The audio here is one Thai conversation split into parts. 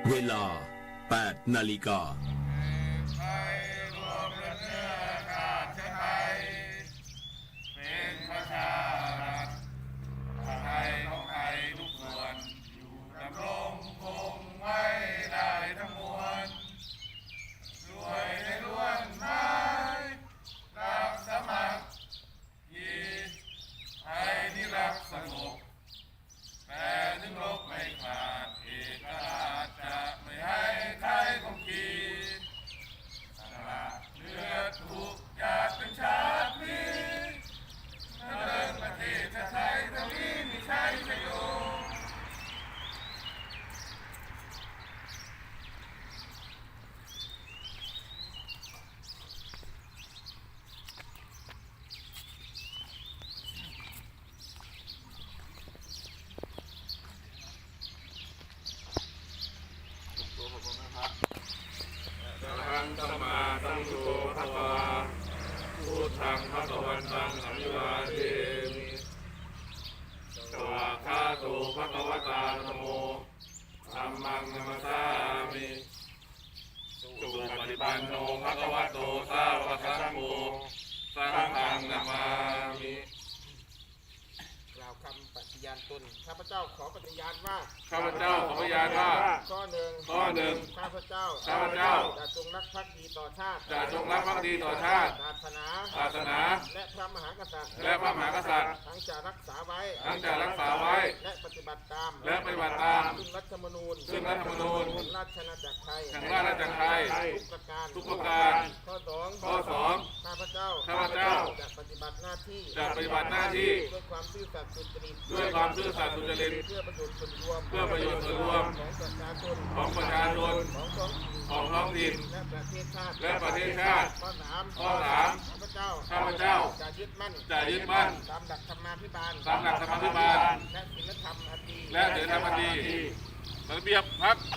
เวลา 8 นาฬิกาเป็นประชารัฐไทยของไทยทุกส่วนอยู่ดำรงคงไว้ได้ทั้งมวลด้วยในล้วนไม้รักสมัครคีไทยที่รักสงบแต่ถึงรบไม่ขาดเอกราชจะไม่ให้ใครคงขีสละเลือดถูกหยาดเป็นชาตินี้เดินประเทศไทยทั้งนี้ไม่ใช่ชโยอะระหังสัมมาสัมพุทโธภะคะวาพุทธังภะคะวันตังอภิวาเทมิสวากขาโตภะคะวตาธัมโมธัมมังนัมสสามิสุปฏิปันโนภะคะวะโตสาวกสังโฆสังฆังนามามิกล่าวคำปฏิญาณตนข้าพเจ้าขอปฏิญาณว่าข้าพเจ้าขอพยานว่าข้อหนึ่งข้อหนึ่งข้าพเจ้าข้าพเจ้าจะจงรักภักดีต่อชาติจะจงรักภักดีต่อชาติศาสนาศาสนาและพระมหากษัตริย์และพระมหากษัตริย์ทั้งจะรักษาไว้ทั้งจะรักษาไว้และปฏิบัติตามและปฏิบัติตามซึ่งรัฐธรรมนูญซึ่งรัฐธรรมนูญแห่งราชอาณาจักรไทยแห่งราชอาณาจักรไทยทุกประการทุกประการข้อสองข้อสองข้าพเจ้าข้าพเจ้าจะปฏิบัติหน้าที่จะปฏิบัติหน้าที่ด้วยความซื่อสัตย์สุจริตด้วยความซื่อสัตย์สุจริตเพื่อประโยชน์ส่วนรวมเพื่อประโยชน์ส่วนรวมของประชาชนของประชาชนของท้องถิ่นของท้องถิ่นและประเทศชาติและประเทศชาติข้อสามข้อสามข้าพเจ้าข้าพเจ้าจะยึดมั่นจะยึดมั่นตามหลักธรรมาภิบาลตามหลักธรรมาภิบาลและศีลธรรมอันดีและศีลธรรมอันดีระเบียบพัก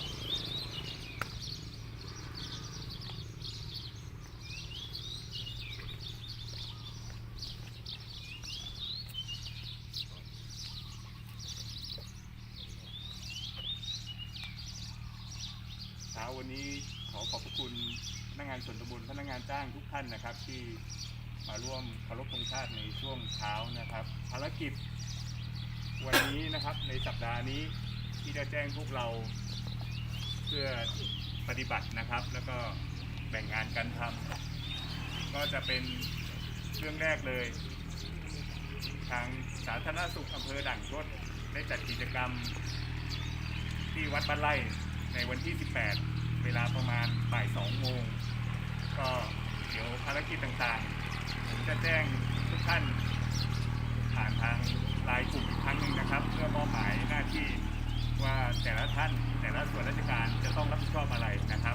เช้าวันนี้ขอขอบพระคุณพนักงานส่วนตำบลพนักงานจ้างทุกท่านนะครับที่มาร่วมเคารพธงชาติในช่วงเช้านะครับภารกิจวันนี้นะครับในสัปดาห์นี้ที่ได้แจ้งพวกเราเพื่อปฏิบัตินะครับแล้วก็แบ่งงานกันทำก็จะเป็นเรื่องแรกเลยทางสาธารณสุขอำเภอด่านชดได้จัดกิจกรรมที่วัดบ้านไร่ในวันที่ 18 เวลาประมาณบ่าย 2 โมงก็เดี๋ยวภารกิจต่างๆผมจะแจ้งทุกท่านผ่านทางไลน์กลุ่มอีกครั้งหนึ่งนะครับเพื่อมอบหมายหน้าที่ว่าแต่ละท่านแต่ละส่วนราชการจะต้องรับผิดชอบอะไรนะครับ